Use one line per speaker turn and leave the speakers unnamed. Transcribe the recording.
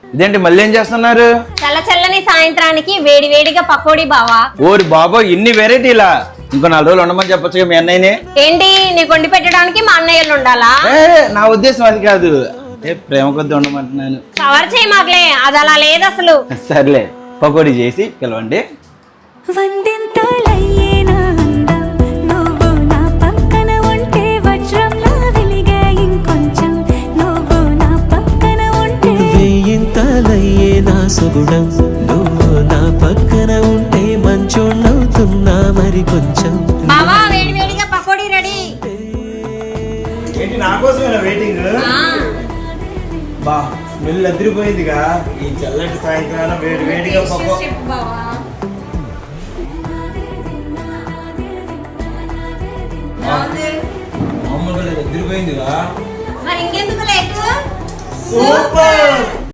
ఇదేంటి మళ్ళీ ఏం చేస్తున్నారు?
చల్ల చల్లని సాయంత్రానికి వేడి వేడిగా పకోడీ బావా.
ఓరి బాబో ఇన్ని వెరైటీలా? ఇంకో 4 రోజులు ఉండమని చెప్పొచ్చుగా మీ అన్నయ్యని.
ఏంటి నీకు వండి పెట్టడానికి మా అన్నయ్యలు ఉండాలా?
నా ఉద్దేశం అది కాదు, ప్రేమ కొద్ది ఉండమంటున్నాను.
కవర్ చేయి మాకులే, అది అలా లేదు అసలు.
సర్లే పకోడీ చేసి పిలవండి.
సుగుణం నువ్వు నా పక్కన ఉంటే మంచోళ్ళవుతున్నా మరి కొంచెం.
బావా వేడి వేడిగా పకోడీ రెడీ.
ఏంటి నా కోసమేనా వెయిటింగ్? బా స్మెల్ అదిరిపోయిందిగా. ఈ చల్లటి సాయంత్రాల వేడి వేడిగా పకోడీ. మామూలుగా అదిరిపోయిందిగా.
మరి ఇంకెందుకు లేకు?
సూపర్.